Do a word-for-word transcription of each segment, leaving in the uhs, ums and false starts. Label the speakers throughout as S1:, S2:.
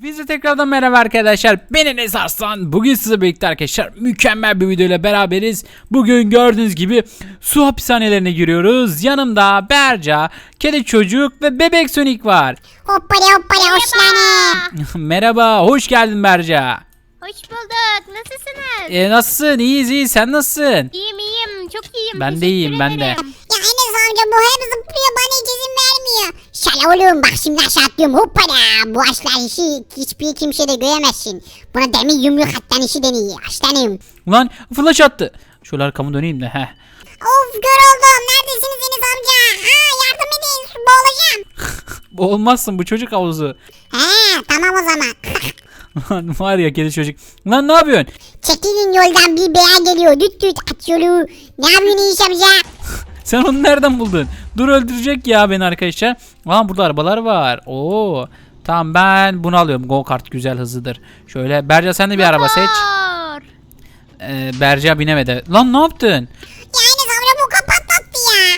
S1: Bize tekrardan merhaba arkadaşlar. Ben Enes Arslan. Bugün size birlikte arkadaşlar mükemmel bir video ile beraberiz. Bugün gördüğünüz gibi su hapishanelerine giriyoruz. Yanımda Berca, kedi çocuk ve bebek Sonic var.
S2: Hoppala hoppala hoşlanın.
S1: Merhaba, hoş geldin Berca.
S3: Hoş bulduk. Nasılsınız?
S1: E, nasılsın? İyiyiz iyi. Sen nasılsın?
S3: İyiyim iyiyim. Çok iyiyim.
S1: Ben de
S3: Teşekkür
S1: iyiyim, ben de.
S3: ederim.
S2: Ya Enes amca bu hep zıplıyor bana hiç izin vermiyor. Şala oğlum bak şimdi aşağı atlıyorum hoppala. Bu aşlar işi hiçbir kimse de göremezsin. Buna demir yumruk attan işi deniyor aslanım.
S1: Ulan flash attı. Şöyle arkamı döneyim de. Heh.
S2: Of kör oldum. Neredesiniz Enes amca? Ha yardım edin su boğulacağım.
S1: Olmazsın, bu çocuk havuzu.
S2: He tamam o zaman.
S1: Lan var ya kedi çocuk. Lan ne yapıyorsun?
S2: Çekilin yoldan bir beya geliyor. Düt düt at yolu. Ne yapıyorsun Enes amca?
S1: Sen onu nereden buldun? Dur, öldürecek ya beni arkadaşlar. Aa, burada arabalar var. Oo. Tamam, ben bunu alıyorum. Go kart güzel, hızlıdır. Şöyle Berca, sen de bir araba seç.
S3: Motor.
S1: Ee, Berca binemedi. Lan ne yaptın?
S2: Ya Enes amca bu kapatlattı ya.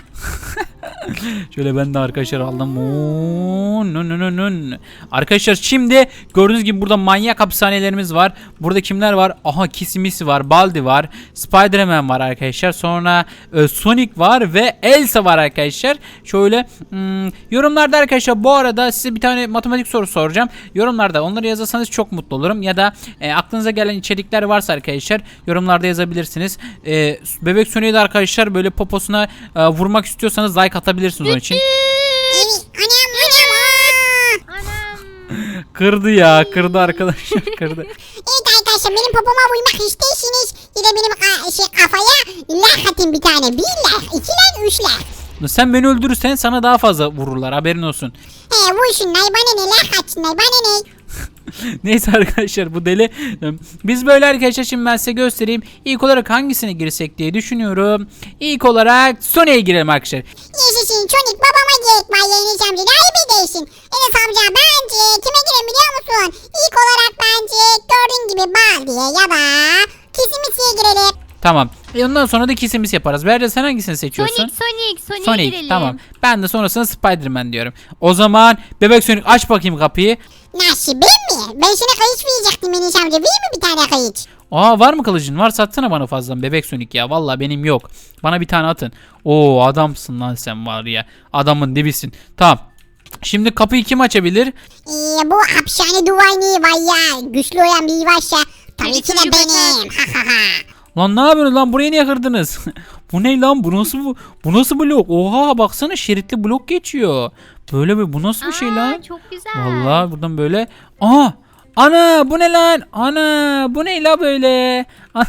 S1: Şöyle ben de arkadaşlar aldım. Oo, nün nün nün. Arkadaşlar şimdi gördüğünüz gibi burada manyak hapishanelerimiz var. Burada kimler var? Aha, Kisimisi var, Baldi var, Spiderman var arkadaşlar. Sonra e, Sonic var ve Elsa var arkadaşlar. Şöyle hmm, yorumlarda arkadaşlar bu arada size bir tane matematik sorusu soracağım. Yorumlarda onları yazarsanız çok mutlu olurum. Ya da e, aklınıza gelen içerikler varsa arkadaşlar yorumlarda yazabilirsiniz. E, Bebek Sonic'i de arkadaşlar böyle poposuna e, vurmak istiyorsanız like atabilirsiniz onun için.
S2: Evet anam anam. Aa.
S3: Anam.
S1: Kırdı ya, kırdı arkadaşlar, kırdı.
S2: Evet arkadaşlar benim popoma vurmak isterseniz ya da benim ka- şey, kafaya like atın bir tane. Bir like, iki like, üç like.
S1: Sen beni öldürürsen sana daha fazla vururlar, haberin olsun.
S2: He vursunlar bana ne like atsınlar bana ne.
S1: Neyse arkadaşlar, bu deli. Biz böyle arkadaşlar, şimdi ben size göstereyim. İlk olarak hangisine girsek diye düşünüyorum. İlk olarak Sonic'e girelim arkadaşlar.
S2: Yaşasın Sonic babama gerek var ya Enes amca daha iyi değilsin. Enes amca bence kime girelim biliyor musun? İlk olarak bence gördüğün gibi Baldi'ye ya da Kisimisi'ye girelim.
S1: Tamam. E ondan sonra da kisimiz yaparız. Berce, sen hangisini seçiyorsun?
S3: Sonic Sonic Sonic'e
S1: Sonic,
S3: girelim.
S1: tamam. Ben de sonrasında Spiderman diyorum. O zaman Bebek Sonic, aç bakayım kapıyı.
S2: Nasıl ben mi? Ben sana kayıç verecektim Enes amca. Değil mi bir tane kayıç?
S1: Aa, var mı kılıcın? Var, satsana bana fazladan Bebek Sonic ya. Vallahi benim yok. Bana bir tane atın. Oo, adamsın lan sen, var ya. Adamın dibisin. Tamam. Şimdi kapıyı kim açabilir?
S2: Ee, bu hapishane duvarı var ya. Güçlü olan bir varsa tabii ki de
S3: Çocuk
S2: benim. Ha ha ha.
S1: Lan ne yapıyorsunuz lan, burayı niye kırdınız? Bu ne lan, bu nasıl bu, bu nasıl blok? Oha, baksana, şeritli blok geçiyor. Böyle bir, bu nasıl bir şey
S3: Aa,
S1: lan?
S3: çok güzel.
S1: Vallahi buradan böyle. Aa! Ana, bu ne lan? Ana, bu ne la böyle?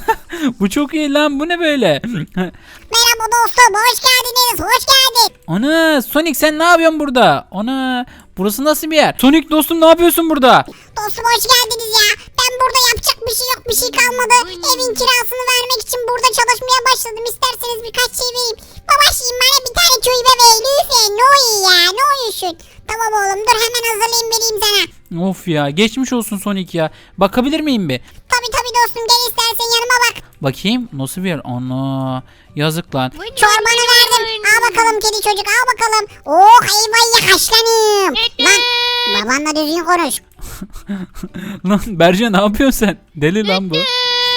S1: Bu çok iyi lan, bu ne böyle?
S2: Merhaba dostum hoş geldiniz hoş geldin.
S1: Ana, Sonic sen ne yapıyorsun burada? Ana, burası nasıl bir yer? Sonic dostum, ne yapıyorsun burada?
S2: Dostum hoş geldiniz ya. Ben burada yapacak bir şey yok bir şey kalmadı. Evin kirasını vermek için burada çalışmaya başladım. İsterseniz birkaç şey vereyim. Babacığım bana bir tane köy bebeği lütfen ne oluyor ya ne oluyorsun? Tamam oğlum dur hemen hazırlayayım vereyim sana.
S1: Of ya, geçmiş olsun Sonic ya. Bakabilir miyim bir?
S2: Tabii tabii dostum gel istersen yanıma bak.
S1: Bakayım, nasıl bir yer? Ana, yazık lan.
S3: Buyurun,
S2: Çorbanı
S3: buyurun.
S2: verdim. Al bakalım kedi çocuk al bakalım. Oh eyvah haşlanım.
S3: Düt
S2: Lan
S3: düt.
S2: babanla düzgün konuş.
S1: Lan Berce, ne yapıyorsun sen? Deli lan bu.
S3: Düt.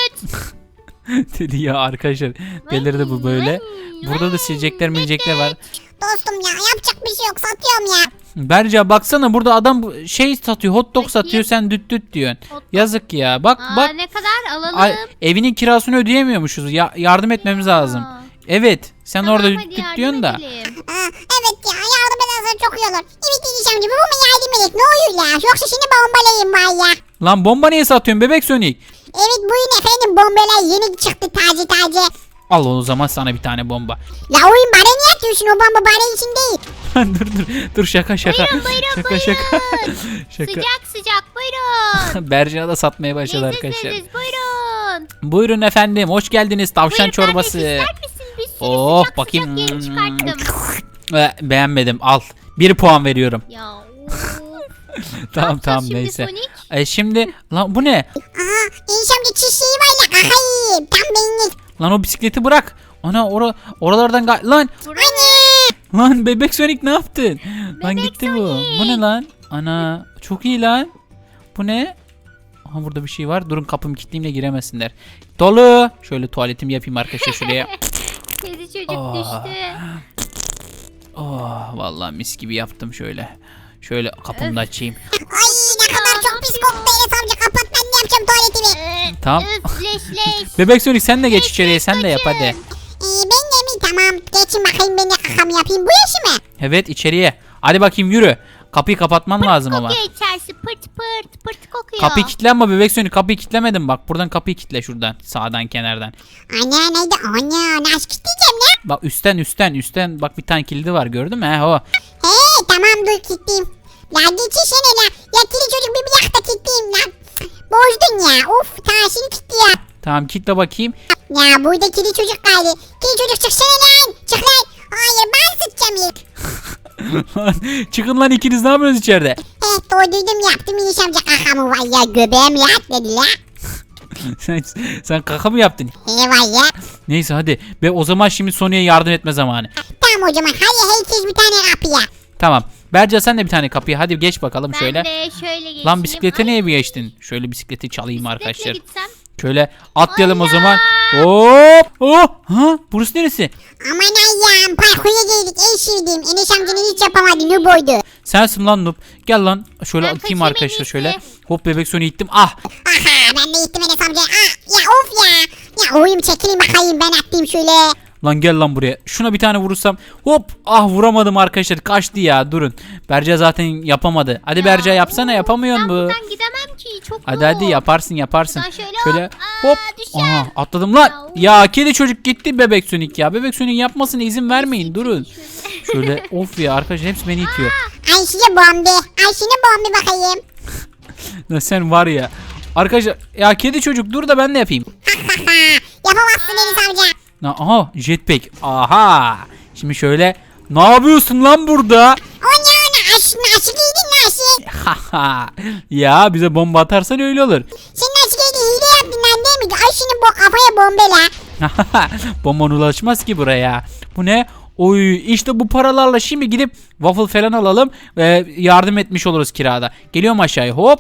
S1: Deli ya arkadaşlar. Delirdi bu böyle. Burada da silecekler milecekler var.
S2: Dostum ya yapacak bir şey yok satıyorum ya.
S1: Berce baksana, burada adam bu- şey satıyor, hot dog satıyor, sen düt düt diyorsun.
S3: Hot dog.
S1: Yazık ya. Bak
S3: Aa,
S1: bak.
S3: ne kadar alalım?
S1: Ay, evinin kirasını ödeyemiyormuşuz. Ya, yardım etmemiz lazım. Evet. Sen
S3: Tamam,
S1: orada düt
S3: hadi
S1: düt
S3: yardım
S1: diyorsun da.
S3: edelim.
S2: Ha, evet ya yardım edersen çok iyi olur. Evet diyeceğim gibi bu mu yardım edek ne oluyor ya. Yoksa şimdi bombalayayım var ya.
S1: Lan bomba niye satıyorsun Bebek Sonic?
S2: Evet buyurun efendim bombalar yeni çıktı taze taze.
S1: Al o zaman sana bir tane bomba.
S2: La oyun bana niye atıyorsun o bomba bana için değil.
S1: dur dur dur, şaka şaka.
S3: Buyurun, buyurun,
S1: şaka
S3: buyurun.
S1: şaka. şaka.
S3: Sıcak sıcak buyurun.
S1: Berca da satmaya başladı arkadaşlar.
S3: Leziz buyurun.
S1: Buyurun efendim, hoş geldiniz, tavşan
S3: Buyurun,
S1: çorbası.
S3: kardeş, ister misin? Bir sürü
S1: Oh,
S3: sıcak
S1: bakayım.
S3: sıcak yeni çıkarttım.
S1: Ee, beğenmedim, al. Bir puan veriyorum.
S3: Ya of.
S1: Tamam
S3: Ne
S1: tamam
S3: yapacağız
S1: neyse.
S3: şimdi Sonic?
S1: E, şimdi lan bu ne?
S2: Aha enişemde çiçeği var ya kakayım tam benlik.
S1: Lan o bisikleti bırak. Ana ora oralardan ga- lan
S3: Buraya.
S1: lan Bebek Sonic ne yaptın? Lan
S3: Bebek
S1: gitti bu.
S3: Sonic.
S1: Bu ne lan? Ana çok iyi lan. Bu ne? Aha burada bir şey var. Durun kapımı kilitleyeyim de giremesinler. Dolu. Şöyle tuvaletimi yapayım arkadaşlar şuraya.
S3: Kedi çocuk
S1: Aa.
S3: düştü.
S1: Oh, vallahi mis gibi yaptım şöyle. Şöyle kapımı da açayım.
S2: Ay ne kadar çok pis koktu Enes amca, kapat, ben de yapacağım tuvaletimi.
S3: Ee,
S1: Tamam.
S3: Öf leş leş.
S1: Bebek Sonic sen de geç içeriye, sen de yap hadi.
S2: Ee, ben de mi? Tamam, geçin bakayım, ben de kakamı yapayım. Bu yaşı mı?
S1: Evet içeriye. Hadi bakayım yürü. Kapıyı kapatman lazım ama.
S3: Kokuyor içerisi pırt pırt pırt kokuyor.
S1: Kapıyı kilitlenme Bebek Sonic, kapıyı kilitlemedim bak. Buradan kapıyı kilitle şuradan. Sağdan kenardan.
S2: Ana neydi? Ana nasıl kilitleyeceğim lan?
S1: Bak üstten üstten üstten bak bir tane kilidi var gördün mü? He o.
S2: He tamam, dur kilitleyeyim. La geçişene la. Ya kili çocuk, bir bir dakika kilitleyeyim lan. Bozdun ya. Of, taşını kilitli ya.
S1: Tamam kilitle bakayım.
S2: Ya burada kili çocuk kaldı. Kili çocuk çıksana lan. Çık lan. Hayır, ben sıçacağım ya.
S1: Çıkın lan ikiniz, ne yapıyorsunuz içeride?
S2: He doyduydum, yaptım Enes amca kakamı, var ya göbeğim rahat dedi la.
S1: sen, sen kaka mı yaptın?
S2: He var ya.
S1: Neyse hadi. Ve o zaman şimdi Sony'ye yardım etme zamanı.
S2: Tamam o zaman, hadi herkes bir tane kapıya.
S1: Tamam. Berca sen de bir tane kapıya. Hadi geç bakalım
S3: Ben
S1: şöyle.
S3: de şöyle geçeyim.
S1: Lan bisiklete
S3: Ay,
S1: niye bir geçtin? Şöyle bisikleti çalayım
S3: bisikletle
S1: arkadaşlar.
S3: gitsem.
S1: Şöyle atlayalım o
S3: Allah!
S1: zaman. Hop! Oh! Ha? Burası neresi?
S2: Aman Allah'ım, parkura geldik, en sevdiğim. Enes amcanın hiç yapamadı, ne boydu.
S1: Sensin lan noob. Gel lan. Şöyle
S3: Ben
S1: atayım
S3: kaçayım
S1: arkadaşlar
S3: en iyisi.
S1: şöyle. Hop bebek Sony ittim. Ah!
S2: Aha, ben de gittim Enes amca. Ah, ya of ya. Ya oğlum çekilin bakayım, ben atlayayım şöyle.
S1: Lan gel lan buraya. Şuna bir tane vurursam. Hop! Ah vuramadım arkadaşlar. Kaçtı ya. Durun. Berca zaten yapamadı. Hadi Berca yapsana, yapamıyorsun
S3: Ben
S1: bu.
S3: buradan gidemem ki, çok
S1: Hadi hadi
S3: zor.
S1: yaparsın yaparsın.
S3: Ben şöyle
S1: Şöyle
S3: hop, aa,
S1: hop.
S3: düşer.
S1: Aha atladım lan. Ya kedi çocuk gitti bebek Sonic ya. Bebek Sonic yapmasına izin vermeyin. Durun. Şöyle of ya arkadaşlar hepsi beni itiyor.
S2: Ay size bombe. Ay şimdi bombe bakayım.
S1: Lan sen var ya. Arkadaşlar ya kedi çocuk dur da ben de yapayım.
S2: Yapamazsın Enes amca.
S1: Na- Aha jetpack. Aha. Şimdi şöyle ne yapıyorsun lan burada?
S2: O ne o ne? Aş, nasıl giydin nasıl?
S1: Haha. Ya bize bomba atarsan öyle olur.
S2: Sen nasıl giydin? Hile yaptın lan değil mi? Ay şimdi bu kafaya bombe la.
S1: Bomban ulaşmaz ki buraya. Bu ne? Oy işte bu paralarla şimdi gidip waffle falan alalım ve yardım etmiş oluruz kirada. Geliyorum aşağıya hop.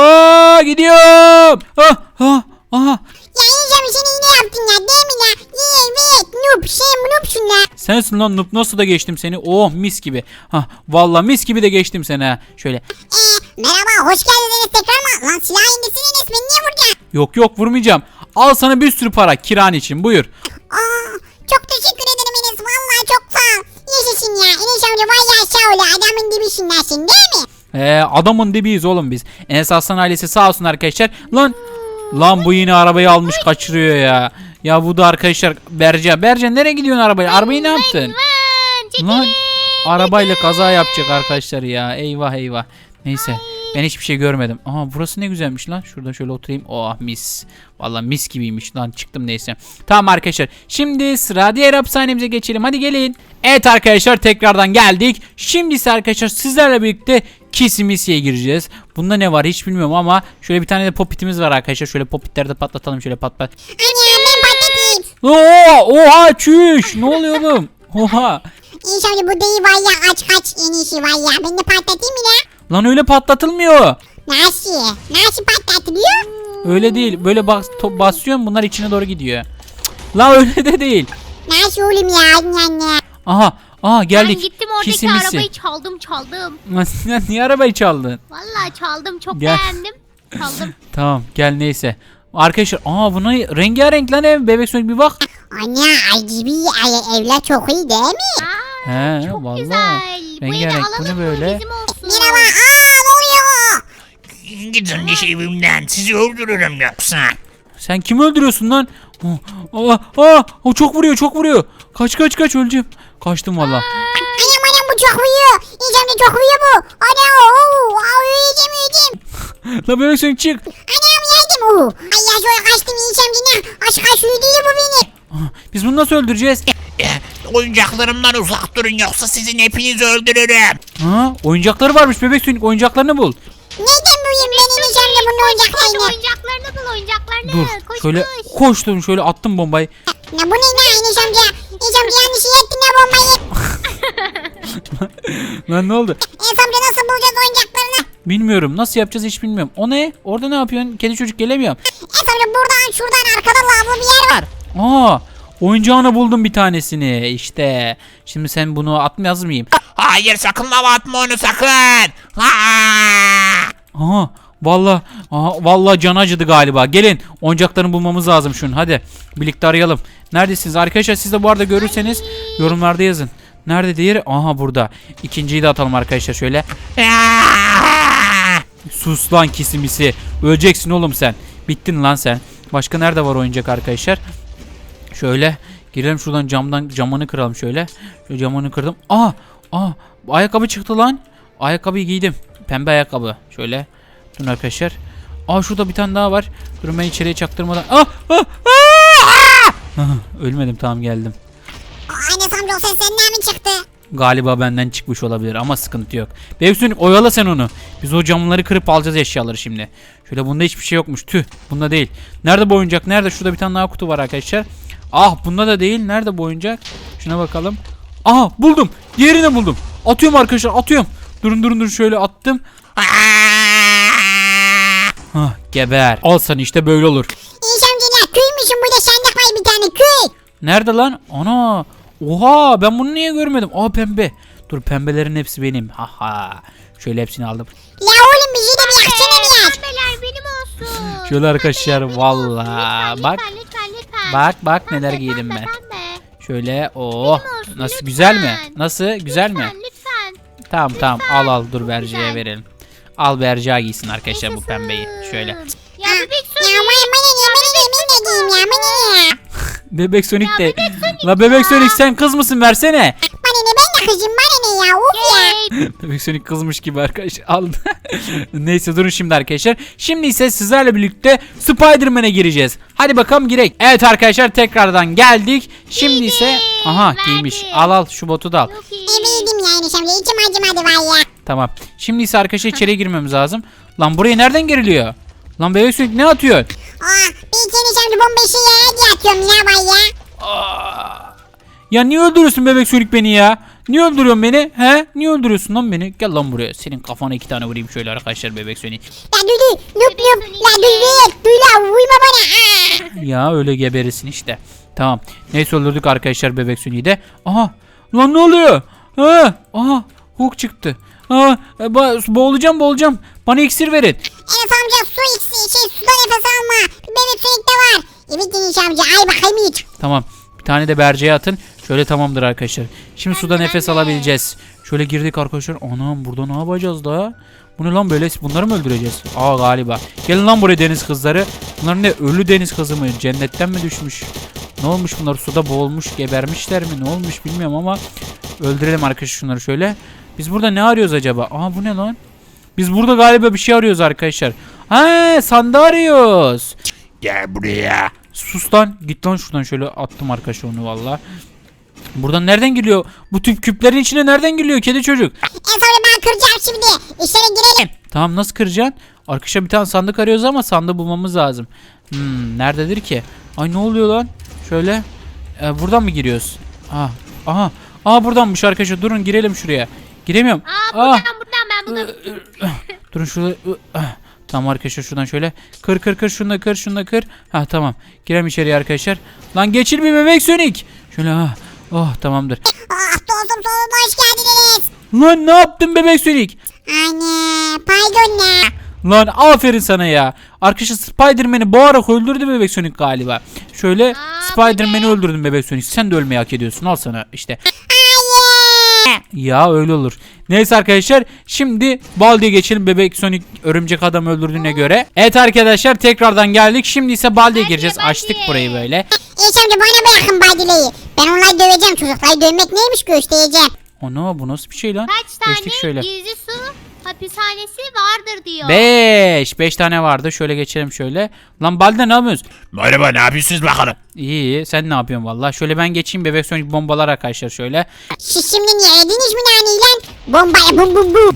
S1: Aa gidiyorum. Ah, ah, aha.
S2: Ya Enes amca sen hile yaptın ya değil mi la? Evet noob, sen noobsun la.
S1: Sensin lan noob, nasıl da geçtim seni. Oh mis gibi. Hah vallahi mis gibi de geçtim seni ha. Şöyle.
S2: Eee merhaba, hoş geldiniz Enes tekrar mı? Lan silah indirsin Enes, beni niye vuracaksın?
S1: Yok yok vurmayacağım. Al sana bir sürü para kiran için buyur.
S2: Aa, çok teşekkür ederim Enes, vallahi çok sağ ol. Yaşasın ya Enes amca, vay ya sağ ol, adamın dibisin lan sen değil mi?
S1: Ee, adamın dibiyiz oğlum biz. Enes Aslan ailesi sağ olsun arkadaşlar. Lan lan bu yine arabayı almış kaçırıyor ya. Ya bu da arkadaşlar Berca. Berca nereye gidiyorsun arabayla? Arabayı ne yaptın?
S3: Lan çekilin.
S1: Lan arabayla kaza yapacak arkadaşlar ya. Eyvah eyvah. Neyse. Ben hiçbir şey görmedim. Aha burası ne güzelmiş lan. Şurada şöyle oturayım. Oh mis. Vallahi mis gibiymiş lan. Çıktım neyse. Tamam arkadaşlar. Şimdi sıra diğer hapishanemize geçelim. Hadi gelin. Evet arkadaşlar tekrardan geldik. Şimdi ise arkadaşlar sizlerle birlikte Kisimisi'ye gireceğiz. Bunda ne var hiç bilmiyorum ama şöyle bir tane de popitimiz var arkadaşlar. Şöyle popitleri de patlatalım şöyle pat pat.
S2: Anne ben patlatayım.
S1: Oo, oha çüş. Ne oluyor oğlum? Oha.
S2: Enes amca bu değil var ya, aç kaç en iyisi var ya, ben de patlatayım mı la?
S1: Lan öyle patlatılmıyor.
S2: Nasıl? Nasıl patlatılıyor?
S1: Öyle değil. Böyle bas to- basıyorsun bunlar içine doğru gidiyor. Cık. La öyle de değil.
S2: Nasıl oğlum ya anne?
S1: Aha. Aha geldik.
S3: Ben gittim oradaki
S1: Kisimisi.
S3: arabayı çaldım çaldım.
S1: Lan niye arabayı çaldın?
S3: Vallahi çaldım, çok
S1: Gel.
S3: beğendim. Çaldım.
S1: Tamam gel neyse. Arkadaşlar aa buna rengarenk lan ev. Bebek Sonic bir bak.
S2: Anne ay gibi ay, evler çok iyi değil mi?
S3: Aa,
S1: He
S3: çok
S1: vallahi.
S3: güzel. Bu evi
S1: Rengarenk bu
S3: alalım
S1: ne
S3: mı?
S1: böyle?
S3: Bizim olsun.
S2: Merhaba, aa ne oluyor?
S4: Gidin iş evimden, sizi öldürürüm yoksa.
S1: Sen kimi öldürüyorsun lan? Aa, aa, aa, o çok vuruyor çok vuruyor. Kaç kaç kaç öleceğim. Kaçtım valla.
S2: Anam anam bu çok uyuyor. İnsan da çok uyuyor bu. Ana ooo. Aa uyuyacağım uyuyacağım.
S1: La Bebek Sonic çık.
S2: Anam yardım ooo. Ay ya şöyle kaçtım insan yine. Aç kaç uyudu bu beni.
S1: Aa, biz bunu nasıl öldüreceğiz?
S4: Eh, oyuncaklarımdan uzak durun yoksa sizin hepinizi öldürürüm.
S1: Ha, oyuncakları varmış Bebek Sonic, oyuncaklarını bul.
S2: Neyden buyum ben insan da bunun
S3: Koş
S2: oyuncaklarını.
S3: oyuncaklarını bul, oyuncaklarını.
S1: Dur
S3: Koş
S1: şöyle
S3: koş.
S1: koştum şöyle attım bombayı.
S2: Ne bu ne ne İniş amca? İniş amca yanlış şey ettin ya bombayı.
S1: Lan ne oldu?
S2: İniş amca nasıl bulacağız oyuncaklarını?
S1: Bilmiyorum. Nasıl yapacağız hiç bilmiyorum. O ne? Orada ne yapıyorsun? Kedi çocuk gelemiyorum.
S2: Enes amca buradan şuradan arkada lavabo bir yer var.
S1: Aa, oyuncağını buldum bir tanesini. İşte. Şimdi sen bunu atmayaz mıyım?
S4: Hayır sakın lava atma onu sakın. Ha!
S1: Aha, vallahi, aha, vallahi can acıdı galiba. Gelin, oyuncaklarını bulmamız lazım şunun. Hadi, birlikte arayalım. Neredesiniz arkadaşlar? Siz de bu arada görürseniz yorumlarda yazın. Nerede diğeri? Aha burada. İkinciyi de atalım arkadaşlar şöyle. Sus lan kisimisi. Öleceksin oğlum sen. Bittin lan sen. Başka nerede var oyuncak arkadaşlar? Şöyle girelim şuradan, camdan camını kıralım şöyle. Şöyle camını kırdım. Aa, aa, ayakkabı çıktı lan. Ayakkabıyı giydim. Pembe ayakkabı. Şöyle. Durun arkadaşlar. Aa, şurada bir tane daha var. Durun ben içeriye çaktırmadan. Ah, ah, ah! Ah, ölmedim, tamam geldim.
S2: Aa, Enes amca o ses senden mi çıktı?
S1: Galiba benden çıkmış olabilir ama sıkıntı yok. Bebek oyala sen onu. Biz o camları kırıp alacağız eşyaları şimdi. Şöyle bunda hiçbir şey yokmuş. Tüh, bunda değil. Nerede bu oyuncak? Nerede? Şurada bir tane daha kutu var arkadaşlar. Ah, bunda da değil. Nerede bu oyuncak? Şuna bakalım. Aha, buldum. Diğerini buldum. Atıyorum arkadaşlar, atıyorum. Durun durun durun, şöyle attım. Hah, geber. Al sana, işte böyle olur.
S2: Enes amca ya köymüşüm burada sandık var bir tane köy.
S1: Nerede lan? Ana. Oha, ben bunu niye görmedim? Aa, pembe. Dur, pembelerin hepsi benim. Haha. Şöyle hepsini aldım.
S2: La oğlum bizi de bir yaksana mı ya?
S3: Pembeler benim olsun.
S1: Şöyle arkadaşlar,
S3: Pembeler benim
S1: valla.
S3: olsun.
S1: Bak.
S3: Lütfen lütfen lütfen.
S1: Bak bak
S3: Pembe,
S1: neler giydim
S3: pembe,
S1: ben.
S3: pembe.
S1: Şöyle, oh.
S3: Benim olsun,
S1: Nasıl,
S3: lütfen.
S1: güzel mi? Nasıl, güzel mi?
S3: Lütfen lütfen.
S1: Tamam tamam, al al, dur
S3: Çok
S1: Berce'ye
S3: güzel.
S1: verelim. Al, Berce giysin arkadaşlar bu
S3: Yaşasın.
S1: pembeyi. Şöyle.
S3: Ya
S2: Ha,
S3: bebek
S2: Ya
S3: Sonic.
S2: bana bana ne bana ne ben de giyeyim ya bana ne ya?
S1: Bebek Sonic
S3: Ya
S1: de.
S3: Bebek Sonic
S1: La Bebek
S3: ya.
S1: Sonic, sen kız mısın, versene.
S2: Bana ne ben de kızım bana ne ya uf ya.
S3: Yay.
S1: Bebek Sonic kızmış gibi arkadaşlar. Al. Neyse, durun şimdi arkadaşlar. Şimdi ise sizlerle birlikte Spider-Man'e gireceğiz. Hadi bakalım, girek. Evet arkadaşlar, tekrardan geldik. Şimdi ise aha,
S3: verdi.
S1: giymiş. Al al, şu botu da al.
S3: Çok iyi.
S2: Ebeydim ya Enes amca içim acımadı var ya.
S1: Tamam. Şimdi ise arkadaşlar içeriye girmemiz lazım. Lan buraya nereden giriliyor? Lan Bebek Sonic ne atıyor?
S2: Aa bir iki Enes amca bomba işe yere diye atıyorum ya var ya.
S1: Ya niye öldürüyorsun Bebek Sonic beni ya? Niye öldürüyorsun beni? He? Niye öldürüyorsun lan beni? Gel lan buraya. Senin kafana iki tane vurayım şöyle arkadaşlar, Bebek Sonic.
S2: La dudu lup lup la dudu duy la uyma bana. Aa.
S1: Ya öyle geberisin işte. Tamam. Neyse, öldürdük arkadaşlar Bebek Sonic'i de. Aha. Lan ne oluyor? Ha? Aha. Hook çıktı. Aa, ba- boğulacağım boğulacağım. Bana iksir verin.
S2: Enes amca su içsin şey suda nefes alma. Bir bebek sunikte var. Evet Enes amca ay bakayım iç.
S1: Tamam. Bir tane de Berce'ye atın. Şöyle, tamamdır arkadaşlar. Şimdi
S3: Ben
S1: suda
S3: de,
S1: nefes
S3: ben de.
S1: alabileceğiz. Şöyle girdik arkadaşlar. Anam, burada ne yapacağız da? Bu ne lan böyle? Bunları mı öldüreceğiz? Aa, galiba. Gelin lan buraya deniz kızları. Bunlar ne? Ölü deniz kızı mı? Cennetten mi düşmüş? Ne olmuş bunlar? Suda boğulmuş, gebermişler mi? Ne olmuş bilmiyorum ama öldürelim arkadaşlar şunları şöyle. Biz burada ne arıyoruz acaba? Aa, bu ne lan? Biz burada galiba bir şey arıyoruz arkadaşlar. Ha, sandığı arıyoruz.
S4: Gel buraya.
S1: Sus lan. Git lan şuradan, şöyle attım arkadaşlar onu valla. Buradan nereden geliyor? Bu tüp küplerin içine nereden geliyor kedi çocuk?
S2: Enes amca ben kıracağım şimdi. İçeri girelim.
S1: Tamam, nasıl kıracaksın? Arkadaşlar bir tane sandık arıyoruz ama sandığı bulmamız lazım. Hmm, nerededir ki? Ay, ne oluyor lan? Şöyle. E, buradan mı giriyoruz? Aha. Aha. Aa, buradanmış arkadaşlar. Durun, girelim şuraya. Giremiyorum.
S3: Aa
S1: Ah.
S3: buradan buradan ben buldum.
S1: Durun şurada. Tamam arkadaşlar, şuradan şöyle. Kır kır kır, şunu da kır, şunu da kır. Ha, tamam. Girelim içeriye arkadaşlar. Lan geçil bir Bebek Sonic. Şöyle ha. Oh, tamamdır.
S2: Ah dostum sonunda hoş geldiniz.
S1: Lan ne yaptın Bebek Sonic?
S2: Anne pardon ne?
S1: Lan aferin sana ya. Arkadaşlar Spider-Man'i boğarak öldürdü Bebek Sonic galiba. Şöyle
S3: Aa,
S1: Spider-Man'i
S3: bu ne?
S1: öldürdün Bebek Sonic. Sen de ölmeyi hak ediyorsun. Al sana işte.
S2: Hayır.
S1: Ya öyle olur. Neyse arkadaşlar, şimdi Baldi'ye geçelim, Bebek Sonic örümcek adam öldürdüğüne göre. Evet arkadaşlar, tekrardan geldik. Şimdi ise Baldi'ye
S3: Baldi,
S1: gireceğiz.
S3: Baldi.
S1: Açtık burayı böyle.
S2: Enes amca bana bırakın badileyi. Ben onları döveceğim çocukları dövmek neymiş göstereceğim.
S1: Ana, bu nasıl bir şey lan?
S3: Kaç tane
S1: Geçtik şöyle.
S3: gizli su hapishanesi vardır diyor.
S1: Beş. Beş tane vardı. Şöyle geçelim şöyle. Lan Baldi ne yapıyorsun?
S4: Merhaba ne yapıyorsunuz bakalım?
S1: İyi iyi. Sen ne yapıyorsun valla? Şöyle ben geçeyim, Bebek Sonic bombalar arkadaşlar şöyle.
S2: Siz şimdi niye yediniz mi naneyle? Bombaya bum bum bum.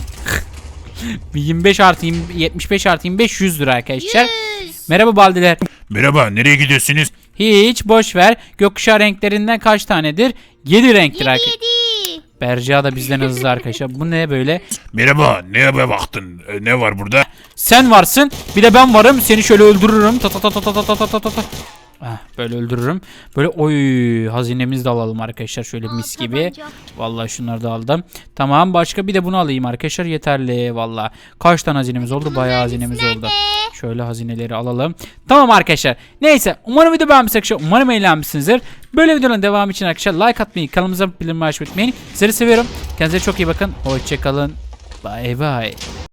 S1: yirmi beş artı yirmi, yetmiş beş artı yirmi beş, yüz lira arkadaşlar.
S3: Yüz.
S1: Merhaba Baldiler.
S4: Merhaba nereye gidiyorsunuz?
S1: Hiç boş ver. Gökkuşağı renklerinden kaç tanedir? yedi renktir
S3: Yedi
S1: arkadaşlar.
S3: yedi.
S1: Berca da bizden hızlı arkadaşlar. Bu ne böyle?
S5: Merhaba, neye baktın? E, ne var burada?
S1: Sen varsın. Bir de ben varım. Seni şöyle öldürürüm. Ta ta ta ta ta ta ta ta ta ta. Ah, böyle öldürürüm. Böyle oy hazinemizi de alalım arkadaşlar. Şöyle
S3: Aa,
S1: mis gibi.
S3: tabanca.
S1: Vallahi şunları da aldım. Tamam başka bir de bunu alayım arkadaşlar. Yeterli vallahi. Kaç tane hazinemiz oldu? Bayağı hazinemiz oldu.
S3: Nerede?
S1: Şöyle hazineleri alalım. Tamam arkadaşlar. Neyse umarım video beğenmişsiniz arkadaşlar. Umarım eğlenmişsinizdir. Böyle videoların devamı için arkadaşlar like atmayı, kanalımıza bildirim açmayı unutmayın. Sizleri seviyorum. Kendinize çok iyi bakın. Hoşçakalın. Bye bye.